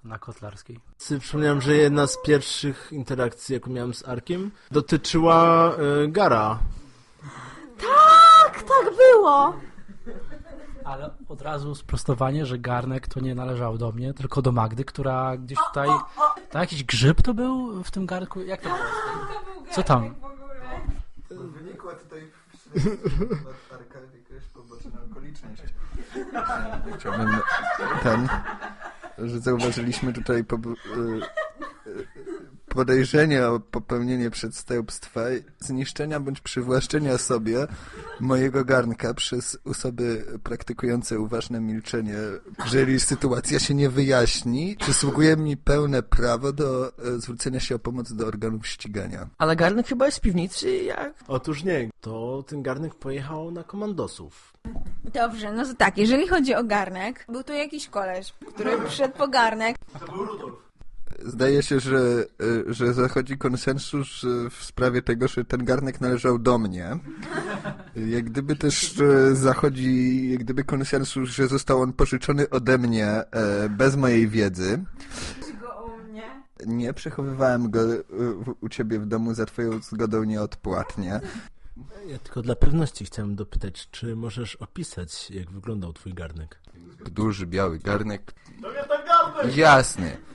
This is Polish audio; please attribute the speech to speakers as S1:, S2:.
S1: na Kotlarskiej.
S2: Przypomniałem, że jedna z pierwszych interakcji, jaką miałem z Arkiem, dotyczyła Gara.
S3: Tak było!
S1: Ale od razu sprostowanie, że garnek to nie należał do mnie, tylko do Magdy, która gdzieś tutaj... To jakiś grzyb to był w tym garnku? Jak to było? Co tam?
S4: Wynikła tutaj od Arka jakaś poboczna okoliczność. Chciałbym że zauważyliśmy tutaj podejrzenie o popełnienie przestępstwa, zniszczenia bądź przywłaszczenia sobie mojego garnka przez osoby praktykujące uważne milczenie. Jeżeli sytuacja się nie wyjaśni, przysługuje mi pełne prawo do zwrócenia się o pomoc do organów ścigania.
S5: Ale garnek chyba jest w piwnicy, jak?
S2: Otóż nie, to ten garnek pojechał na komandosów.
S3: Dobrze, no to tak, jeżeli chodzi o garnek, był to jakiś koleś, który przyszedł po garnek.
S4: Zdaje się, że zachodzi konsensus w sprawie tego, że ten garnek należał do mnie. Jak gdyby też zachodzi konsensus, że został on pożyczony ode mnie bez mojej wiedzy.
S3: Go u mnie?
S4: Nie, przechowywałem go u ciebie w domu za twoją zgodą nieodpłatnie.
S2: Ja tylko dla pewności chciałem dopytać, czy możesz opisać, jak wyglądał twój garnek?
S4: Duży, biały garnek. To nie ten garnek! Jasny.